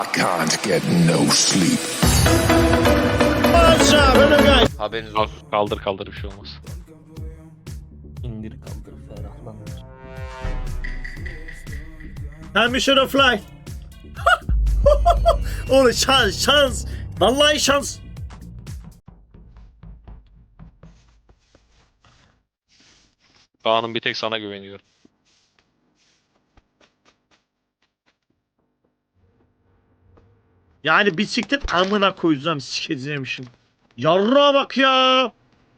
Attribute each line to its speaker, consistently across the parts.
Speaker 1: I can't get no sleep.
Speaker 2: Haberiniz
Speaker 3: Al,
Speaker 2: olsun.
Speaker 3: kaldır bir şey olmaz.
Speaker 4: İndir kaldır ferahlanır.
Speaker 5: Time mission of fly. Oğlum şans. Vallahi şans.
Speaker 3: Kaan'ım bir tek sana güveniyorum.
Speaker 5: Yani bisiklet amına koyacağım sikeceğimişim. Yarrağa bak ya.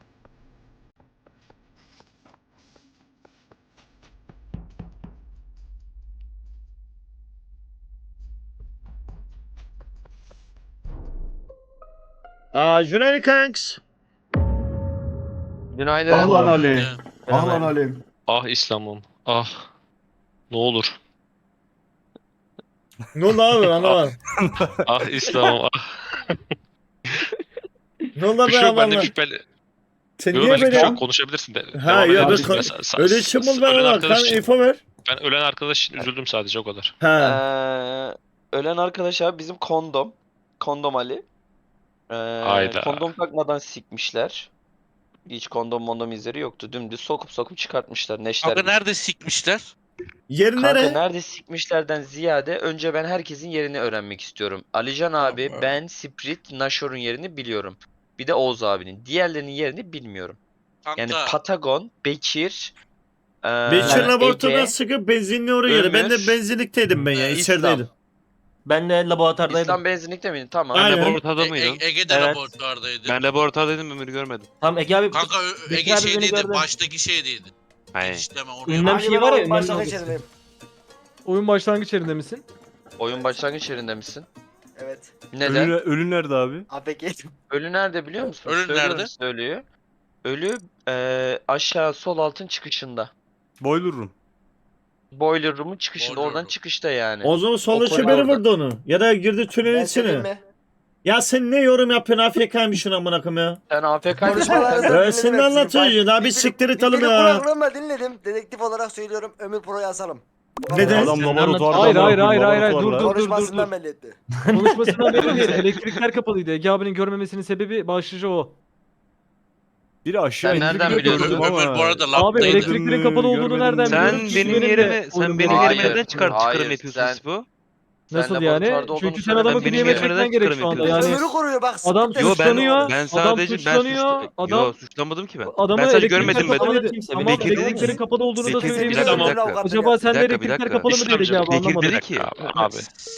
Speaker 5: Günaydın kanks.
Speaker 2: Günaydın.
Speaker 6: Ahlan Ali.
Speaker 4: Evet.
Speaker 6: Ahlan Ali.
Speaker 3: Ah İslam'ım. Ah. Ne olur.
Speaker 5: Ne oldu abi anlamadım.
Speaker 3: Ah İslam'ım. Ah.
Speaker 5: Ne oldu
Speaker 3: Bir şey
Speaker 5: be
Speaker 3: yok, ben de
Speaker 5: amanla.
Speaker 3: şüpheli.
Speaker 5: Sen
Speaker 3: Yok,
Speaker 5: niye
Speaker 3: benlik bir şey
Speaker 5: böyle?
Speaker 3: yok, konuşabilirsin de.
Speaker 5: Ha
Speaker 3: Devam
Speaker 5: ya
Speaker 3: edebilirsin.
Speaker 5: ben
Speaker 3: Mesela
Speaker 5: öyle şey mi ben
Speaker 3: ölen
Speaker 5: bak
Speaker 3: arkadaş
Speaker 5: sen
Speaker 3: için,
Speaker 5: info ver.
Speaker 3: ben ölen arkadaş için üzüldüm sadece, o kadar.
Speaker 5: Ha.
Speaker 2: Ölen arkadaş abi bizim kondom. Kondom Ali.
Speaker 3: Hayda.
Speaker 2: Kondom takmadan sikmişler. Hiç kondom izleri yoktu. Dümdüz sokup çıkartmışlar. Neşter
Speaker 7: Kanka
Speaker 2: gibi.
Speaker 7: nerede sikmişler?
Speaker 5: Yerin
Speaker 2: Kanka
Speaker 5: nere?
Speaker 2: nerede sikmişlerden ziyade önce ben herkesin yerini öğrenmek istiyorum. Alican abi,
Speaker 7: Tamam.
Speaker 2: ben, Sprit, Nashor'un yerini biliyorum. Bir de Oğuz abinin. Diğerlerinin yerini bilmiyorum.
Speaker 7: Kanka
Speaker 2: Yani Patagon, Bekir,
Speaker 5: Bekir laboratuvardan
Speaker 2: Ege,
Speaker 5: sıkıp benzinli oraya geldi. Ben de
Speaker 2: Ömür,
Speaker 5: benzinlikteydim ben ya.
Speaker 2: İslam.
Speaker 5: içerideydim.
Speaker 4: Ben de laboratuvardaydım.
Speaker 2: İslam benzinlikte miydin? Tamam.
Speaker 5: Aynen.
Speaker 8: Laboratuvarda mıydın?
Speaker 7: Ege'de
Speaker 4: Evet.
Speaker 7: laboratuvardaydı.
Speaker 8: Ben laboratuvardaydım, Ömür'ü görmedim.
Speaker 4: Tam Ege abi.
Speaker 7: Kanka
Speaker 4: Bekir
Speaker 7: Ege
Speaker 4: abi beni
Speaker 7: şeydeydi,
Speaker 4: gördü.
Speaker 7: baştaki şeydeydi.
Speaker 8: Hayır.
Speaker 7: İşleme oraya.
Speaker 4: Ünlem
Speaker 9: Abi
Speaker 4: şey
Speaker 9: ben
Speaker 4: var ya.
Speaker 9: oyun
Speaker 4: ünlem
Speaker 9: başlangıç
Speaker 4: logisi.
Speaker 9: yerindeyim.
Speaker 10: Oyun başlangıç yerinde misin?
Speaker 2: Oyun başlangıç yerinde misin?
Speaker 9: Evet.
Speaker 2: Neden?
Speaker 8: Ölü nerede abi?
Speaker 9: APK.
Speaker 2: Ölü nerede biliyor musun?
Speaker 7: Ölü
Speaker 2: Söylüyorum
Speaker 7: nerede?
Speaker 2: size ölüyü. Ölü aşağı sol altın çıkışında.
Speaker 8: Boiler room.
Speaker 2: Boiler room'un çıkışında.
Speaker 7: Boiler
Speaker 2: Oradan
Speaker 7: room.
Speaker 2: çıkışta yani.
Speaker 5: O zaman sol
Speaker 2: O
Speaker 5: içi
Speaker 2: koridor
Speaker 5: biri
Speaker 2: orada.
Speaker 5: vurdu onu. Ya da girdi tünelin
Speaker 9: Ben söyleyeyim
Speaker 5: içine.
Speaker 9: mi?
Speaker 5: Ya sen ne yorum yapıyorsun AFK'ymışsın amına koyayım ya.
Speaker 2: Sen AFK'ydın.
Speaker 9: Konuşmalarınızı
Speaker 5: Sen ne
Speaker 9: dinledim
Speaker 5: anlatıyorsun
Speaker 9: hepsini.
Speaker 5: ya? Daha bir siktir et alın
Speaker 9: Videoyu
Speaker 5: ya.
Speaker 9: kulaklarımla dinledim. Dedektif olarak söylüyorum. Ömür Pro'yu asalım.
Speaker 5: Neden?
Speaker 8: Adam
Speaker 4: Sen
Speaker 8: laboratuvarda.
Speaker 10: Hayır,
Speaker 8: mı
Speaker 10: hayır,
Speaker 8: yapıyor,
Speaker 10: hayır, hayır,
Speaker 8: laboratuvarda?
Speaker 10: dur.
Speaker 9: Konuşmasından belli etti.
Speaker 10: Konuşmasından belli değil. Elektrikler kapalıydı. Ege abinin görmemesinin sebebi başlıca o.
Speaker 8: Biri aşağı
Speaker 2: Sen
Speaker 8: indi,
Speaker 2: nereden
Speaker 8: biri
Speaker 2: biliyorsun?
Speaker 8: gördüm ama-
Speaker 7: Ömür bu arada
Speaker 10: Abi
Speaker 7: labdaydı.
Speaker 10: elektriklerin kapalı olduğunu
Speaker 8: Görmedim.
Speaker 10: nereden
Speaker 8: Sen
Speaker 10: biliyorum?
Speaker 8: benim
Speaker 10: Çünkü
Speaker 8: yerime-
Speaker 10: benim de
Speaker 8: sen
Speaker 10: oyunum
Speaker 8: benim
Speaker 10: var.
Speaker 2: yerime
Speaker 8: neden
Speaker 2: çıkarım
Speaker 8: çıkarım
Speaker 2: yapıyorsun Sispo?
Speaker 10: Nasıl
Speaker 2: Sen
Speaker 10: yani?
Speaker 2: laboratuvarda olduğunu
Speaker 10: Çünkü sen adamı
Speaker 2: söylemedin
Speaker 8: benim
Speaker 10: dinleme
Speaker 2: ki.
Speaker 8: yerime
Speaker 10: etmen
Speaker 8: neden
Speaker 10: gerek şu anda.
Speaker 8: çıkarım
Speaker 10: Yani
Speaker 9: Ömür'ü koruyor bak.
Speaker 10: adam
Speaker 9: siktir.
Speaker 8: Yo
Speaker 10: suçlanıyor.
Speaker 8: ben
Speaker 10: Adam
Speaker 8: sadece
Speaker 10: suçlanıyor. Adam
Speaker 8: suçlamadım ki ben.
Speaker 10: adamı
Speaker 8: Ben sadece
Speaker 10: elektrikler
Speaker 8: görmedim ben.
Speaker 10: kapalıydı.
Speaker 4: Kimse
Speaker 10: Tamam
Speaker 8: Bekir dedi
Speaker 10: elektriklerin
Speaker 8: ki-
Speaker 10: kapalı olduğunu da
Speaker 8: Bekir dedi
Speaker 10: söyleyeyim.
Speaker 8: bir dakika,
Speaker 10: Tamam.
Speaker 8: bir dakika.
Speaker 10: Acaba sende
Speaker 8: Bir dakika,
Speaker 10: elektrikler
Speaker 8: bir
Speaker 10: kapalı mı
Speaker 3: dakika.
Speaker 10: değil Ege abi
Speaker 8: Bekir
Speaker 10: anlamadım.
Speaker 8: dedi ki.
Speaker 3: Abi.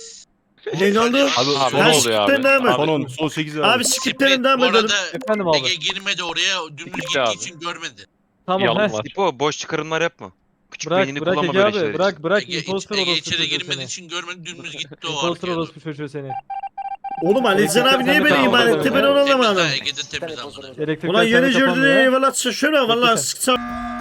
Speaker 5: Ne oldu?
Speaker 8: Abi
Speaker 3: ne oluyor abi?
Speaker 5: devam et.
Speaker 8: Son son 8 abi.
Speaker 5: Abi skiplerin devam
Speaker 7: Bu
Speaker 5: edelim.
Speaker 7: arada
Speaker 10: Efendim abi.
Speaker 7: Ege girmedi oraya, dümdüz
Speaker 3: Gitti
Speaker 7: gittiği
Speaker 3: abi.
Speaker 7: için görmedi.
Speaker 10: Tamam
Speaker 3: Yalan
Speaker 10: he.
Speaker 3: var.
Speaker 8: Tipo boş çıkarımlar yapma. Küçük
Speaker 10: Bırak
Speaker 8: beynini
Speaker 10: bırak
Speaker 8: kullanma
Speaker 10: Ege
Speaker 8: böyle
Speaker 10: abi
Speaker 8: şeyler için.
Speaker 10: bırak
Speaker 7: Ege,
Speaker 10: imposter
Speaker 7: Ege
Speaker 10: orospu
Speaker 7: içeri
Speaker 10: çocuğu
Speaker 7: girmediği
Speaker 10: seni.
Speaker 7: için görmedi, dümdüz gitti o
Speaker 10: Imposter
Speaker 7: arkaya.
Speaker 10: orospu çocuğu seni.
Speaker 5: Oğlum Alican abi niye beni
Speaker 10: Tamam,
Speaker 5: iman
Speaker 10: tamam,
Speaker 5: etti ben
Speaker 10: tamam.
Speaker 5: onu anlamadım.
Speaker 7: Temizle, Ege'de temiz amına.
Speaker 10: Elektrikler
Speaker 5: Ulan yeni
Speaker 10: sende
Speaker 5: gördüğünü
Speaker 10: kapanmıyor.
Speaker 5: eyvallah şöyle valla
Speaker 10: Bekle
Speaker 5: sıksam.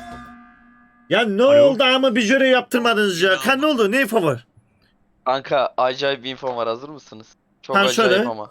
Speaker 5: Ya ne
Speaker 8: Alo.
Speaker 5: oldu ama bir jöre yaptırmadınız ya. Kan ne oldu? Ne info var?
Speaker 2: Kanka acayip bir infom var, hazır mısınız? Çok
Speaker 5: Ha,
Speaker 2: acayip
Speaker 5: şöyle.
Speaker 2: ama.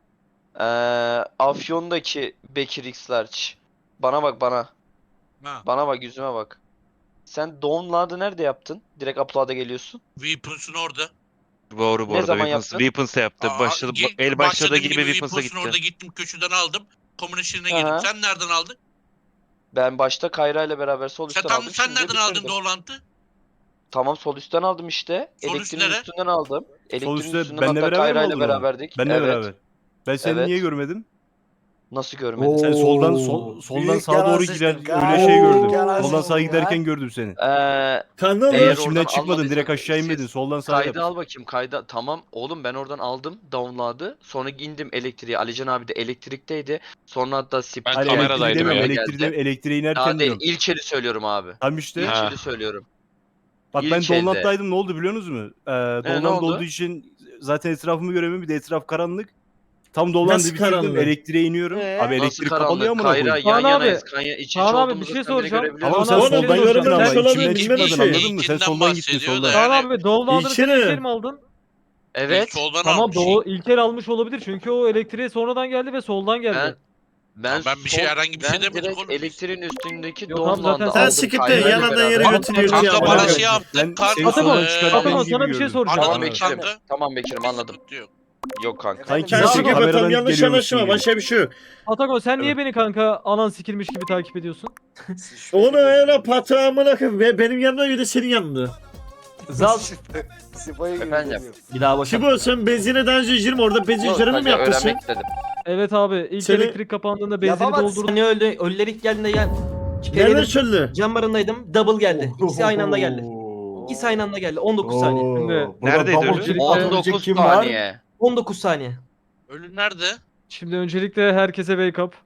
Speaker 2: Afyon'daki Bekir X Large. Bana bak bana.
Speaker 7: Ha,
Speaker 2: Bana bak, yüzüme bak. Sen download'ı nerede yaptın? Direkt upload'a geliyorsun.
Speaker 7: Weapons'un orada.
Speaker 8: Doğru bu
Speaker 2: Ne
Speaker 8: arada.
Speaker 2: zaman
Speaker 8: Weapons'ı
Speaker 2: yaptın?
Speaker 8: Weapons'ı yaptı. Başladı, el başladığı
Speaker 7: başladığım
Speaker 8: gibi Weapons'a
Speaker 7: Weapons'un orada
Speaker 8: gitti.
Speaker 7: gittim, köşeden aldım. Komünistine
Speaker 2: Aha.
Speaker 7: girdim. Sen nereden aldın?
Speaker 2: Ben başta Kayra ile beraber sol
Speaker 7: Sen
Speaker 2: üstten
Speaker 7: tam
Speaker 2: aldım.
Speaker 7: sen
Speaker 2: şimdi
Speaker 7: nereden aldın
Speaker 2: bitirdim.
Speaker 7: Doğrulantı?
Speaker 2: Tamam, sol üstten aldım işte.
Speaker 7: Sol üst
Speaker 2: Elektriğin
Speaker 7: nere?
Speaker 2: üstünden aldım. Elektriğin
Speaker 8: üstte
Speaker 2: üstünden
Speaker 8: benle
Speaker 2: hatta
Speaker 8: beraber mi
Speaker 2: Kayra ile
Speaker 8: aldın onu?
Speaker 2: beraberdik.
Speaker 8: Benle
Speaker 2: Evet.
Speaker 8: beraber. Ben seni
Speaker 2: Evet.
Speaker 8: niye görmedim?
Speaker 2: Nasıl görmedin?
Speaker 8: Sen soldan soldan
Speaker 9: Büyük
Speaker 8: sağa
Speaker 9: yalan
Speaker 8: doğru
Speaker 9: sıçtın.
Speaker 8: gider öyle şey gördüm.
Speaker 9: Yalan
Speaker 8: Soldan
Speaker 9: sıçtın
Speaker 8: sağa
Speaker 9: ya.
Speaker 8: giderken gördüm seni.
Speaker 5: Kan ne
Speaker 2: Eğer
Speaker 5: oluyor?
Speaker 2: oradan
Speaker 8: İçimden çıkmadın,
Speaker 2: almadıysan-
Speaker 8: direkt aşağı inmedin.
Speaker 2: Siz
Speaker 8: Soldan sağa
Speaker 2: Kaydı
Speaker 8: yap.
Speaker 2: al bakayım, kayda. Tamam oğlum, ben oradan aldım download'ı. Sonra indim elektriğe. Alican abi de elektrikteydi. Sonra hatta Split
Speaker 3: Ben
Speaker 8: Hayır,
Speaker 3: kameradaydım
Speaker 8: elektriği demiyorum,
Speaker 3: ya.
Speaker 8: elektriğe inerken
Speaker 2: Daha değil,
Speaker 8: diyorum.
Speaker 2: ilk eli söylüyorum abi.
Speaker 8: Tam işte.
Speaker 3: Ha.
Speaker 2: İlk eli söylüyorum.
Speaker 8: Bak
Speaker 2: İlk
Speaker 8: ben
Speaker 2: elde.
Speaker 8: Donland'daydım, ne oldu biliyor musunuz?
Speaker 2: ne
Speaker 8: Donland
Speaker 2: oldu?
Speaker 8: olduğu için zaten etrafımı göremiyorum, bir de etraf karanlık. Tam Donland'ı
Speaker 5: Nasıl
Speaker 8: bitirdim,
Speaker 5: karanlık?
Speaker 8: elektriğe iniyorum. Abi
Speaker 2: Nasıl
Speaker 8: elektrik kapalı ya
Speaker 2: karanlık?
Speaker 8: amına
Speaker 2: Kayra
Speaker 8: koyayım.
Speaker 2: yan
Speaker 10: Kaan abi,
Speaker 2: yanayız. Kanya iç içe
Speaker 10: Kaan abi,
Speaker 2: olduğumuzu
Speaker 10: bir şey
Speaker 2: sen bile
Speaker 10: soracağım.
Speaker 2: görebiliyor
Speaker 8: Tamam
Speaker 2: musun?
Speaker 8: sen
Speaker 10: Kaan abi,
Speaker 8: soldan
Speaker 10: bir şey
Speaker 8: gittin
Speaker 10: soracağım.
Speaker 8: ama
Speaker 5: Sen
Speaker 8: içimden
Speaker 5: olabilir,
Speaker 8: çıkmadın,
Speaker 5: bilmem şey.
Speaker 8: anladın mı? Sen
Speaker 7: İlkinden
Speaker 8: soldan gittin
Speaker 7: bahsediyor
Speaker 8: soldan.
Speaker 7: da.
Speaker 10: Kaan
Speaker 7: Yani-
Speaker 10: abi Downloader'ı sen
Speaker 5: İlkini.
Speaker 10: ilk el mi aldın?
Speaker 2: Evet.
Speaker 7: Soldan
Speaker 10: Tamam
Speaker 7: almış.
Speaker 10: ilk el almış olabilir çünkü o elektriğe sonradan geldi ve soldan geldi.
Speaker 2: Ben,
Speaker 7: Ben bir şey, herhangi bir şey
Speaker 2: ben
Speaker 7: demedik
Speaker 2: direkt
Speaker 7: oğlum.
Speaker 2: elektriğin üstündeki
Speaker 10: Yok abi,
Speaker 2: Dawnland'ı
Speaker 10: zaten
Speaker 2: aldım.
Speaker 5: Sen skip de
Speaker 2: Kayra
Speaker 5: yanından
Speaker 2: beraber.
Speaker 5: yere götürüyorsun ya.
Speaker 7: Kanka
Speaker 5: bana
Speaker 7: bana
Speaker 5: göre.
Speaker 7: şey yaptın.
Speaker 8: Ben
Speaker 7: Kar,
Speaker 8: senin
Speaker 10: Atakan,
Speaker 8: sonra çıkarttığın
Speaker 10: Atakan
Speaker 8: gibi
Speaker 10: sana bir şey
Speaker 8: gördüm.
Speaker 10: soracağım.
Speaker 2: Tamam
Speaker 7: Anladım
Speaker 2: Bekir'im.
Speaker 7: kanka.
Speaker 2: Tamam Bekir'im anladım.
Speaker 7: Sıkıntı yok.
Speaker 2: Yok kanka.
Speaker 5: Kanki
Speaker 8: Sanki
Speaker 5: skip
Speaker 8: kameradan
Speaker 5: atalım yanlış
Speaker 8: geliyormuşsun
Speaker 5: anlaşılma.
Speaker 8: gibi.
Speaker 5: Başka bir şey yok.
Speaker 10: Atakan sen niye beni kanka anan sikilmiş gibi takip ediyorsun?
Speaker 5: Onu öyle patağımına koyayım. Benim yanımda ya da senin yanında.
Speaker 4: Zal
Speaker 9: Sipo'ya gibi
Speaker 2: Efendim?
Speaker 9: geliyor.
Speaker 10: Bir daha başa.
Speaker 5: Şibo sen benzine daha önce girme orada benzin
Speaker 2: Yok,
Speaker 5: canını mı
Speaker 2: kanka,
Speaker 5: yaptın sen?
Speaker 2: öğrenmek istedim.
Speaker 10: Evet abi ilk
Speaker 5: Seni-
Speaker 10: elektrik kapandığında benzini
Speaker 9: Yapamazsın.
Speaker 10: doldurdum.
Speaker 4: Hani öldü. Ölüler ilk geldiğinde gel.
Speaker 5: Nereden söyledi?
Speaker 4: Cam barındaydım. Double geldi. İkisi aynı anda geldi. İkisi aynı anda geldi. 19 saniye.
Speaker 10: Şimdi
Speaker 3: Neredeydi ölü?
Speaker 10: öncelikle,
Speaker 2: 19 saniye.
Speaker 4: 19 saniye.
Speaker 7: Ölü nerede?
Speaker 10: şimdi öncelikle herkese wake up.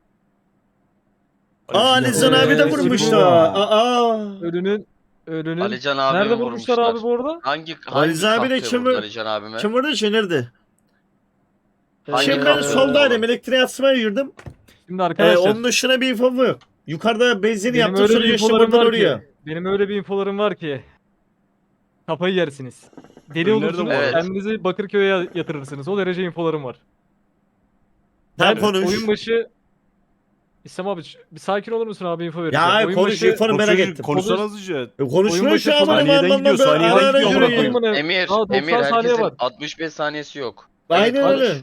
Speaker 5: Aa Nizan abi de vurmuş
Speaker 10: Şibo.
Speaker 5: da. Aa.
Speaker 10: Ölünün
Speaker 2: Alican abimi
Speaker 10: nerede
Speaker 2: vurmuşlar.
Speaker 10: vurmuşlar abi bu arada?
Speaker 2: Hangi
Speaker 5: Ali abi de
Speaker 2: kahpe
Speaker 5: kim
Speaker 2: vurdu
Speaker 5: vur-
Speaker 2: Alican abime?
Speaker 5: Kim vurdu şey nerede?
Speaker 2: Hangi
Speaker 5: Şimdi ben
Speaker 2: kahpe
Speaker 5: soldaydım
Speaker 2: vurdu?
Speaker 5: elektriğe atmaya girdim.
Speaker 10: Şimdi arkadaşlar
Speaker 5: Onun dışına bir infom yok. Yukarıda benzin
Speaker 10: benim
Speaker 5: yaptım
Speaker 10: öyle
Speaker 5: sonra
Speaker 10: bir
Speaker 5: geçtim
Speaker 10: infolarım
Speaker 5: oradan
Speaker 10: var
Speaker 5: oraya.
Speaker 10: ki. Benim öyle bir infolarım var ki. Kafayı yersiniz. Deli
Speaker 8: Önlerde
Speaker 10: olursunuz.
Speaker 2: mi var?
Speaker 10: Kendinizi Bakırköy'e yatırırsınız. O derece infolarım var.
Speaker 5: Sen
Speaker 10: Ben
Speaker 5: konuş.
Speaker 10: oyun başı İslam abi bir sakin olur musun abi info
Speaker 5: Ya
Speaker 10: vereceğim.
Speaker 5: ay
Speaker 10: Oyun
Speaker 5: konuş
Speaker 10: başı-
Speaker 5: infonu merak ettim.
Speaker 8: Konuşsana hızlıca.
Speaker 5: Konuşmuyor
Speaker 10: başı
Speaker 5: şu an
Speaker 10: falan-
Speaker 5: benim
Speaker 8: Saniyeden gidiyor,
Speaker 5: anlamda
Speaker 8: saniyeden
Speaker 5: ara ara
Speaker 8: gidiyor,
Speaker 5: yürüyor.
Speaker 10: amına koyayım.
Speaker 2: Emir,
Speaker 10: Daha 90
Speaker 2: Emir
Speaker 10: saniye
Speaker 2: herkesin
Speaker 10: var.
Speaker 2: 65 saniyesi yok.
Speaker 5: Aynen
Speaker 2: Evet,
Speaker 5: öyle.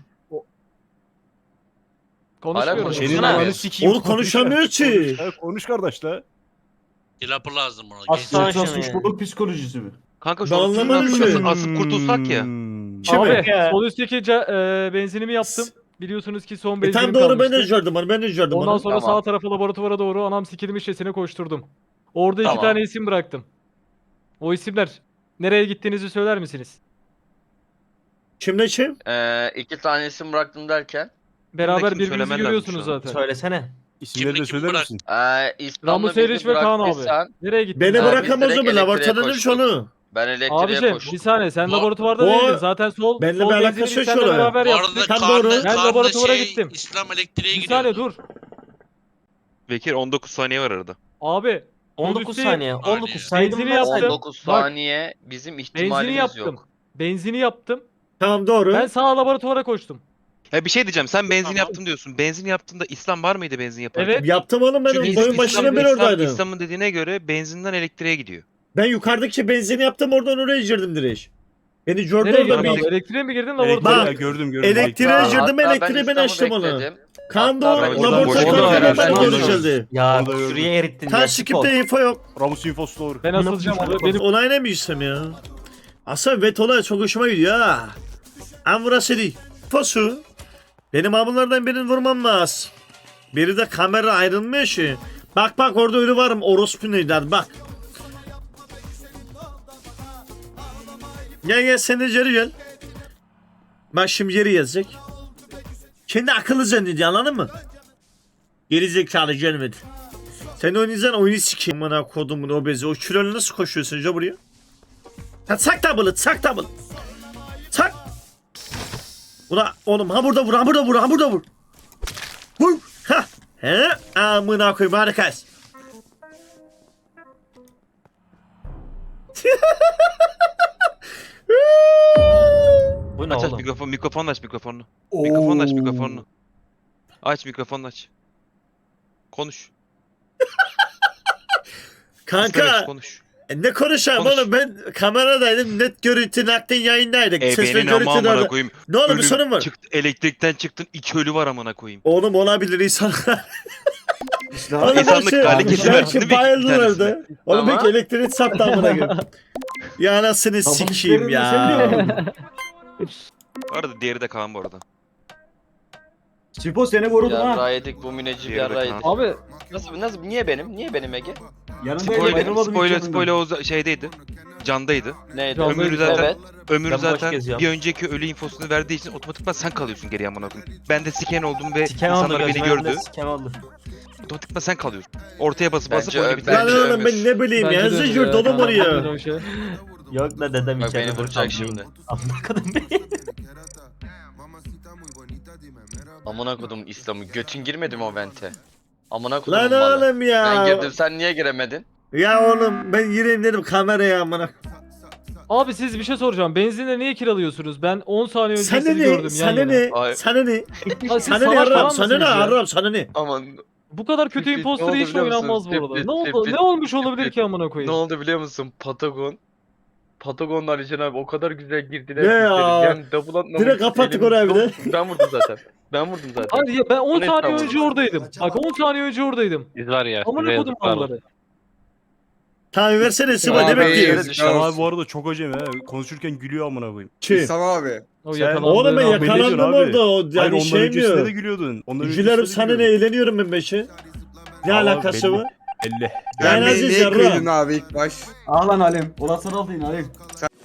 Speaker 10: Konuşmuyorum.
Speaker 2: Hala
Speaker 8: Senin
Speaker 2: konuşsana
Speaker 8: ananı
Speaker 2: abi.
Speaker 8: sikeyim.
Speaker 5: Oğlum konuşamıyor ki.
Speaker 8: Konuş kardeş la.
Speaker 7: Dilapı lazım ona.
Speaker 4: Aslan
Speaker 7: Genç.
Speaker 4: şunu ya.
Speaker 6: psikolojisi mi?
Speaker 3: Kanka
Speaker 5: Ben
Speaker 3: şu an
Speaker 5: anlamadım
Speaker 3: şuradan
Speaker 5: ki.
Speaker 3: asıp kurtulsak ya.
Speaker 5: Kimi?
Speaker 10: Abi
Speaker 4: Ya.
Speaker 10: sol üstteki benzinimi yaptım. Biliyorsunuz ki son
Speaker 5: E
Speaker 10: benzinim
Speaker 5: tam doğru ben
Speaker 10: kalmıştı.
Speaker 5: de gördüm onu ben de gördüm
Speaker 10: Ondan
Speaker 5: onu.
Speaker 10: sonra
Speaker 2: Tamam.
Speaker 10: sağ tarafa laboratuvara doğru anam sikilmiş sesine koşturdum. Orada iki
Speaker 2: Tamam.
Speaker 10: tane isim bıraktım. O isimler nereye gittiğinizi söyler misiniz?
Speaker 5: Kimle kim?
Speaker 2: 2 tanesini bıraktım derken.
Speaker 10: Beraber
Speaker 3: Buradakini
Speaker 10: birbirinizi
Speaker 3: söylemen lazım
Speaker 10: görüyorsunuz
Speaker 3: şu an.
Speaker 10: zaten.
Speaker 4: Söylesene.
Speaker 8: İsimleri de
Speaker 7: Kim
Speaker 8: söyler
Speaker 7: bırak-
Speaker 8: misin?
Speaker 2: İstanbul'da
Speaker 10: Ramus Eriş ve Kaan abi. Nereye gittiniz?
Speaker 5: Beni
Speaker 2: Abi,
Speaker 5: bırakamaz
Speaker 2: direkt
Speaker 5: o mu? Laboratuvarda
Speaker 2: elektriğe
Speaker 5: demiş onu.
Speaker 2: Ben elektriğe
Speaker 10: Abicim
Speaker 2: koştum.
Speaker 10: bir saniye sen
Speaker 7: Bu-
Speaker 10: laboratuvarda
Speaker 5: bu-
Speaker 10: değildin. Zaten sol
Speaker 5: Benimle
Speaker 10: sol
Speaker 5: bir
Speaker 10: benzini
Speaker 5: alakası
Speaker 10: biz
Speaker 5: yok
Speaker 10: seninle
Speaker 5: şu an.
Speaker 10: beraber
Speaker 7: Bu
Speaker 10: yaptık.
Speaker 7: arada
Speaker 5: Tam doğru.
Speaker 10: Ben
Speaker 7: Kaan'la
Speaker 10: laboratuvara
Speaker 7: şey,
Speaker 10: gittim.
Speaker 7: İslam elektriğe
Speaker 10: Bir
Speaker 7: gidiyordu.
Speaker 10: saniye dur.
Speaker 3: Bekir 19 saniye var arada.
Speaker 10: Abi
Speaker 4: 19
Speaker 10: Polisi-
Speaker 4: saniye. 19 saydım
Speaker 10: Benzini
Speaker 4: ben
Speaker 10: yaptım.
Speaker 4: saydım.
Speaker 2: 19
Speaker 10: Bak,
Speaker 2: saniye bizim
Speaker 10: benzini
Speaker 2: ihtimalimiz
Speaker 10: yaptım.
Speaker 2: yok.
Speaker 10: Benzini yaptım.
Speaker 5: Tamam doğru.
Speaker 10: Ben sağ laboratuvara koştum.
Speaker 3: Ya bir şey diyeceğim. Sen benzin
Speaker 7: Tamam.
Speaker 3: yaptım diyorsun. Benzin yaptığında İslam var mıydı benzin yaparken?
Speaker 10: Evet.
Speaker 5: Yaptım oğlum ben
Speaker 3: Çünkü
Speaker 5: oyun başından beri oradaydım.
Speaker 3: İslam'ın dediğine göre benzinden elektriğe gidiyor.
Speaker 5: Ben yukarıdaki benzini yaptım oradan oraya girdim direkt. Beni gördü
Speaker 10: Nereye
Speaker 5: orada
Speaker 10: girdin
Speaker 5: bir...
Speaker 10: abi? Elektriğe mi girdin
Speaker 8: Elektriğe
Speaker 10: laboratuvara?
Speaker 5: Bak,
Speaker 8: gördüm gördüm.
Speaker 5: elektriğe
Speaker 2: Hatta
Speaker 5: girdim
Speaker 2: ben
Speaker 5: elektriği ben
Speaker 2: İslam'ı
Speaker 5: açtım onu.
Speaker 2: bekledim.
Speaker 5: Kaan da
Speaker 2: Hatta ben
Speaker 5: o
Speaker 2: orada
Speaker 5: laboratuvarda
Speaker 2: boşuna
Speaker 5: beraber
Speaker 2: beraber
Speaker 5: görüşüldü.
Speaker 4: Ya
Speaker 8: Orada gördüm.
Speaker 4: şuraya erittin
Speaker 5: Tam
Speaker 4: ya.
Speaker 5: skipte info yok.
Speaker 8: Ramus infosu doğru.
Speaker 10: Ben asılacağım abi. Benim
Speaker 5: Olay ne mi istem ya? Aslında vet olay çok hoşuma gidiyor ha. Ama burası değil. Fosu. Benim abunlardan birini vurmam lazım. Biri de kamera ayrılmıyor ki. Bak bak orada ölü varım orospu neydi bak. Gel gel sen de geri gel. Bak şimdi geri yazacak. Kendi akıllı zannediyor anladın mı? Geri zekalı gelmedi. Sen oynayacaksın oyunu sikeyim. Bana kodumun obezi. O kilolu nasıl koşuyorsun acaba buraya? Ha, çak double'ı çak double. Çak. Ula oğlum ha burada vur ha burada vur ha burada vur. Vur. Ha. He. Amına koyayım harikasın.
Speaker 4: Bu ne
Speaker 3: Aç aç
Speaker 4: oğlum?
Speaker 3: mikrofonunu aç mikrofonunu. Mikrofonunu aç mikrofonunu. Aç mikrofonunu aç. Konuş.
Speaker 5: Kanka
Speaker 3: İstemez, konuş.
Speaker 5: ne konuşayım
Speaker 3: Konuş.
Speaker 5: oğlum ben kameradaydım net görüntü nakden yayındaydık. Ses ve
Speaker 3: Benim ama
Speaker 5: görüntü
Speaker 3: amına
Speaker 5: nerede?
Speaker 3: koyayım.
Speaker 5: Ne oldu bir
Speaker 3: Ölüm
Speaker 5: sorun var?
Speaker 3: çıktı, elektrikten çıktın 2 ölü var amına koyayım.
Speaker 5: Oğlum olabilir insanlar. Oğlum
Speaker 3: İnsanlık
Speaker 5: belki-
Speaker 3: hali kesilmez,
Speaker 5: belki
Speaker 3: değil mi? Bir
Speaker 5: bayıldılar da.
Speaker 3: tanesine.
Speaker 5: Oğlum
Speaker 2: Ama-
Speaker 5: belki elektrik sattı amına koyayım. Ya anasını sikeyim ya.
Speaker 3: Bu arada diğeri de Kaan bu arada.
Speaker 6: Sipo seni vurdum ha.
Speaker 2: Yarra yedik bu münecip
Speaker 3: Diğeri de
Speaker 2: yarra
Speaker 3: Kaan.
Speaker 2: yedik.
Speaker 10: Abi
Speaker 2: Nasıl niye benim? Niye benim Ege?
Speaker 3: Spoiler o şeydeydi. Candaydı.
Speaker 2: Neydi?
Speaker 10: Can-
Speaker 3: Ömür zaten
Speaker 2: Evet.
Speaker 3: Ömür
Speaker 4: Ben boş
Speaker 3: zaten
Speaker 4: geziyorum.
Speaker 3: bir önceki ölü infosunu verdiği için otomatikman sen kalıyorsun geriye amına koyayım. Ben de siken oldum ve
Speaker 4: Sikem oldu
Speaker 3: insanlar beni
Speaker 4: gözümün önünde
Speaker 3: gördü.
Speaker 4: sikem oldu.
Speaker 3: Otomatikman sen kalıyorsun. Ortaya basıp basıp
Speaker 2: Bence
Speaker 3: oyunu
Speaker 2: ö-
Speaker 3: bitirdin.
Speaker 5: Lan
Speaker 2: Bence
Speaker 5: oğlum ben
Speaker 2: Ömür.
Speaker 5: ne bileyim ya.
Speaker 10: bence de
Speaker 5: Zıcır
Speaker 10: ya.
Speaker 5: dolu oraya.
Speaker 10: O şey.
Speaker 4: Yok la dedem
Speaker 2: Bak
Speaker 4: içeride
Speaker 2: beni
Speaker 4: dur,
Speaker 2: vuracak
Speaker 4: kalmayın.
Speaker 2: şimdi.
Speaker 4: Amına kadın beni.
Speaker 2: Amına kodum İslam'ı. Götün girmedi mi o vente? Amına kodum
Speaker 5: Lan
Speaker 2: malı.
Speaker 5: oğlum ya.
Speaker 2: Ben girdim sen niye giremedin?
Speaker 5: Ya oğlum ben gireyim dedim kameraya amına.
Speaker 10: Abi siz bir şey soracağım. Benzinle niye kiralıyorsunuz? Ben 10 saniye önce
Speaker 5: Sana
Speaker 10: sizi
Speaker 5: ne?
Speaker 10: gördüm yan
Speaker 5: Sana
Speaker 10: yana.
Speaker 5: ne?
Speaker 2: Ay.
Speaker 5: Sana ne?
Speaker 10: Ha, siz
Speaker 5: Sana ne
Speaker 10: salak falan
Speaker 5: yarram? Sana
Speaker 10: mısınız
Speaker 5: ne
Speaker 10: ya?
Speaker 5: yarram? Sana ne?
Speaker 2: Aman
Speaker 10: Bu kadar kötü
Speaker 2: Sürpriz,
Speaker 10: imposter
Speaker 2: ne oldu
Speaker 10: hiç
Speaker 2: biliyor musun?
Speaker 10: oynanmaz bu arada.
Speaker 2: Sürpriz,
Speaker 10: Ne oldu?
Speaker 2: sürpriz,
Speaker 10: Ne olmuş olabilir
Speaker 2: sürpriz.
Speaker 10: ki amına
Speaker 2: ne
Speaker 10: koyayım?
Speaker 2: oldu biliyor musun? Patagon'la Alican abi o kadar güzel girdiler.
Speaker 5: Ne
Speaker 2: ki
Speaker 5: ya?
Speaker 2: içeri. Yani double atmamış.
Speaker 5: Direkt kapattık
Speaker 2: elim
Speaker 5: orayı bir de.
Speaker 2: çok- Ben vurdum zaten. Ben vurdum zaten.
Speaker 10: Hayır ya ben 10
Speaker 2: Ne
Speaker 10: saniye
Speaker 2: tamam.
Speaker 10: önce oradaydım. Bak 10 saniye önce oradaydım.
Speaker 3: Biz var ya.
Speaker 10: Amına kodum malları.
Speaker 5: Tamam versene Sıva
Speaker 6: Abi,
Speaker 5: demek ki.
Speaker 6: yazıklar
Speaker 8: İhsan
Speaker 6: olsun.
Speaker 8: abi bu arada çok acemi ha. Konuşurken gülüyor amına koyayım.
Speaker 5: Kim?
Speaker 6: İhsan abi.
Speaker 10: O
Speaker 8: Sen-
Speaker 10: yakalandı.
Speaker 5: Oğlum ben
Speaker 8: Belli ediyorsun
Speaker 5: yakalandım
Speaker 8: abi.
Speaker 5: orada. O
Speaker 8: Hayır
Speaker 5: yani
Speaker 8: ondan
Speaker 5: şey
Speaker 8: öncesinde de
Speaker 5: mi?
Speaker 8: gülüyordun. Ondan
Speaker 5: Gülerim
Speaker 8: öncesinde de
Speaker 5: sana ne
Speaker 8: gülüyordun.
Speaker 5: eğleniyorum ben beşe. Ne
Speaker 8: Vallahi
Speaker 5: alakası
Speaker 8: belli.
Speaker 5: var?
Speaker 8: Belli.
Speaker 5: Yani
Speaker 6: Ben
Speaker 5: Aziz
Speaker 6: neye
Speaker 5: yarra.
Speaker 6: kıydın abi ilk baş?
Speaker 11: Ah lan Halim. Ulan sana aldın Halim.